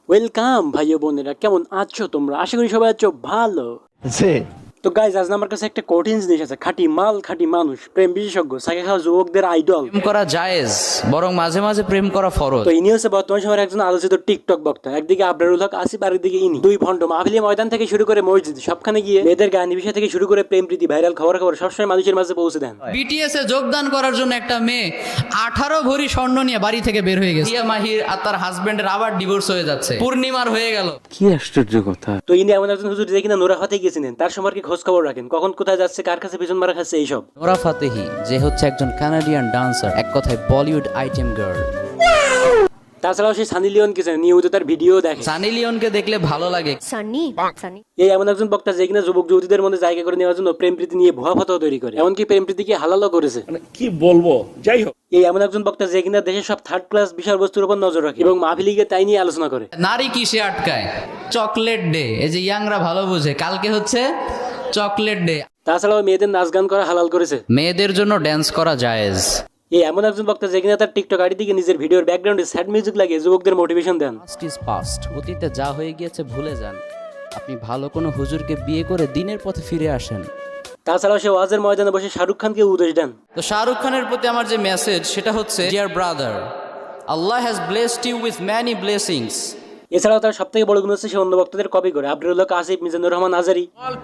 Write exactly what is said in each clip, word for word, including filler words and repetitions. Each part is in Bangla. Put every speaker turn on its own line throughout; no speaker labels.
ওয়েলকাম ভাই ও বোনেরা, কেমন আছো তোমরা? আশা করি সবাই আছো ভালো। তো গাইজ, আজ আমার কাছে একটা কঠিন জিনিস আছে, খাঁটি মাল, খাঁটি মানুষ, প্রেম বিশেষজ্ঞ, সাইকে খাওয়া যুবকদের আইডল।
প্রেম করা জায়েজ, বরং মাঝে মাঝে প্রেম করা ফরজ।
তো ইনি হচ্ছে বর্তমান সময়ের একজন আলোচিত টিকটক বক্তা। একদিকে আবরারুল হক আসিফ, আরেকদিকে ইনি। দুই ভণ্ড মাহফিলি ময়দান থেকে শুরু করে মসজিদ, সবখানে গিয়ে মেয়েদের গান বিষয় থেকে শুরু করে প্রেম প্রীতি, ভাইরাল খবর খবর সবসময় মানুষের মাঝে পৌঁছে দেন।
বিটিএস এ যোগদান করার জন্য একটা মেয়ে আঠারো ভরি স্বর্ণ নিয়ে বাড়ি থেকে বের হয়ে গেছে। হিয়া মাহির আর তার হাজবেন্ডের আবার ডিভোর্স হয়ে যাচ্ছে, পূর্ণিমার হয়ে গেল।
কি আশ্চর্য কথা।
তো ইনি এমন একজন হুজুর যে কিনা নোরা হতে গেছিলেন, তার সম্পর্কে খোঁজ খবর রাখেন, কখন কোথায় যাচ্ছে, কার কাছে পিছন মারা খাচ্ছে, এইসব।
নোরা ফাতেহি যে হচ্ছে একজন কানাডিয়ান ডান্সার, এক কথায় বলিউড আইটেম গার্ল।
তাছাড়াও সে সানি লিওনকে চেনে, নিয়মিত তার ভিডিও দেখে।
সানি লিওনকে দেখলে ভালো লাগে।
সানি সানি
এই এমন একজন বক্তা যে কিনা যুবক যুবতীদের মধ্যে জায়গা করে নেওয়ার জন্য প্রেম প্রীতি নিয়ে ভুয়া ফতোয়া তৈরি করে, এমনকি প্রেম প্রীতিকে হালালও করেছে।
কি বলবো, যাই হোক।
এই এমন একজন বক্তা যে কিনা দেশের সব থার্ড ক্লাস বিষয়বস্তুর উপর নজর রাখে এবং মাহফিলিকে তাই নিয়ে আলোচনা করে।
নারী কিসে আটকায়? Chocolate day. এই যে ইয়াংরা ভালো বুঝে, কালকে হচ্ছে চকলেট ডে।
তাছাড়াও মেয়েদের নাচ গান করা হালাল করেছে।
মেয়েদের জন্য ড্যান্স করা জায়েজ।
এই এমন একজন বক্তা যে কিনা তার টিকটক আইডি থেকে নিজের ভিডিওর ব্যাকগ্রাউন্ডে স্যাড মিউজিক লাগিয়ে যুবকদের মোটিভেশন দেন।
পাস্ট ইজ পাস্ট, অতীতে যা হয়ে গিয়েছে ভুলে যান। আপনি ভালো কোনো হুজুরকে বিয়ে করে দিনের পথে ফিরে আসেন।
তাছাড়াও সে ওয়াজের ময়দানে বসে শাহরুখ খানকে উপদেশ দেন।
তো শাহরুখ খানের প্রতি আমার যে মেসেজ সেটা হচ্ছে, dear brother, Allah has blessed you with many blessings.
এছাড়াও তার সব থেকে বড় গুণ হচ্ছে সে অন্য বক্তাদের কপি করে। Abrarul Haque Asif, Mizanur Rahman Azhari.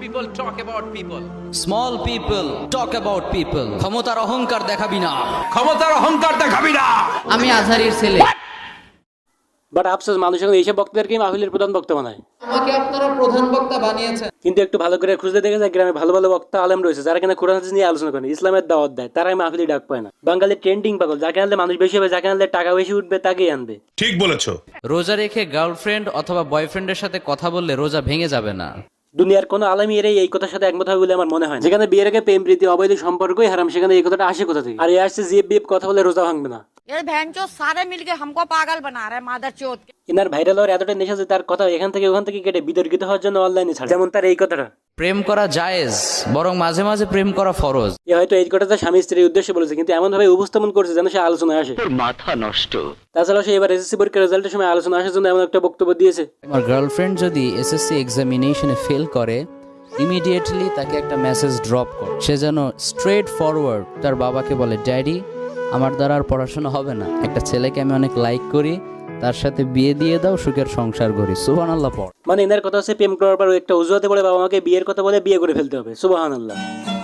Small people talk about people. ক্ষমতার অহংকার দেখাবি না,
ক্ষমতার অহংকার দেখাবি না।
আমি আজহারির ছেলে।
বাট আফসোস, মানুষ এখন এইসব বক্তাদেরকেই মাহফিলের প্রধান বক্তা বানায়।
আমাকে আপনারা প্রধান বক্তা বানিয়েছেন,
কিন্তু একটু ভালো করে খুঁজতে দেখে যায় গ্রামে ভালো ভালো বক্তা আলেম রয়েছে যারা কিনা কোরআন হাদিস নিয়ে আলোচনা করে, ইসলামের দাওয়াত দেয়, তারাই মাহফিলি ডাক পায় না। বাঙালি ট্রেন্ডিং পাগল, যাকে আনলে মানুষ বেশি হবে, যাকে আনলে টাকা বেশি উঠবে, তাকেই আনবে।
ঠিক বলেছো।
রোজা রেখে গার্লফ্রেন্ড অথবা বয়ফ্রেন্ডের সাথে কথা বললে রোজা ভেঙে যাবে না।
দুনিয়ার কোনো আলেমী এরাই এই কথার সাথে একমত হবে বলে আমার মনে হয় না। যেখানে বিয়ের আগে প্রেম প্রীতি অবৈধ সম্পর্কই হারাম, সেখানে এই কথাটা আসে কোথা থেকে? আর এ আসছে জিএফ বিএফ কথা বলে রোজা ভাঙবে না।
ये बहनचोद सारे मिलके हमको पागल बना रहे हैं मादरचोद।
এনার ভাইরাল হওয়ার এতটা নেশা যে তার কথা এখান থেকে ওখান থেকে কেটে বিতর্কিত হওয়ার জন্য অনলাইনে ছাড়ে। যেমন তার এই কথাটা,
প্রেম করা জায়েজ, বরং মাঝে মাঝে প্রেম করা ফরজ।
এ হয়তো এই কথাটা স্বামী স্ত্রীর উদ্দেশ্যে বলেছে, কিন্তু এমন ভাবে উপস্থাপন করছে যেন সে আলোচনায় আসে।
মাথা নষ্ট।
তাছাড়াও সে এবার এসএসসি পরীক্ষার রেজাল্টের সময় আলোচনা আসার জন্য এমন একটা বক্তব্য দিয়েছে।
আমার গার্লফ্রেন্ড যদি এসএসসি এক্সামিনেশনে ফেল করে, ইমিডিয়েটলি তাকে একটা মেসেজ ড্রপ কর। সে যেন স্ট্রেট ফরওয়ার্ড তার বাবাকে বলে, ড্যাডি, আমার দ্বারা আর পড়াশোনা হবে না, একটা ছেলেকে আমি অনেক লাইক করি, তার সাথে বিয়ে দিয়ে দাও, সুখের সংসার করি। সুবহানাল্লাহ পড়।
মানে এনার কথা হচ্ছে প্রেম করার পর একটা অজুহাতে বলে বাবা মাকে বিয়ের কথা বলে বিয়ে করে ফেলতে হবে। সুবহানাল্লাহ।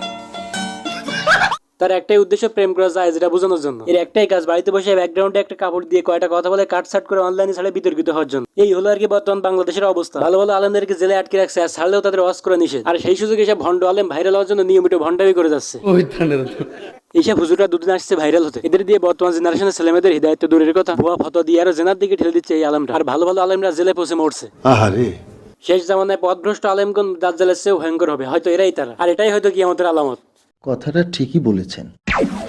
তার একটাই উদ্দেশ্য প্রেম করা যায় যেটা বোঝানোর জন্য। এর একটাই কাজ, বাড়িতে বসে ব্যাকগ্রাউন্ডে একটা কাপড় দিয়ে কয়টা কথা বলে কাটছাট করে অনলাইনে ছাড়ে বিতর্কিত হওয়ার জন্য। এই হলো আর কি বর্তমান বাংলাদেশের অবস্থা। ভালো ভালো আলেমদেরকে জেলে আটকে রাখছে, আর ছাড়লেও তাদের ওয়াজ করে নিষেধ। আর সেই সুযোগে এসব ভণ্ড আলেম ভাইরাল হওয়ার জন্য নিয়মিত ভণ্ডামি করে যাচ্ছে। এইসব হুজুররা দুদিন আসছে ভাইরাল হতে। এদের দিয়ে বর্তমান জেনারেশনের ছেলেমেয়েদের হৃদায়িত্ব দূরের কথা, ভুয়া ফতোয়া দিয়ে আরো জেনার দিকে ঠেলে দিচ্ছে এই আলেমরা। আর ভালো ভালো আলেমরা জেলে পৌঁছে মরছে। শেষ জামানায় পথভ্রষ্ট আলেমগণ দাজ্জালের চেয়েও ভয়ঙ্কর হবে, হয়তো এরাই তারা। আর এটাই হয়তো কিয়ামতের আলামত।
কথাটা ঠিকই বলেছেন।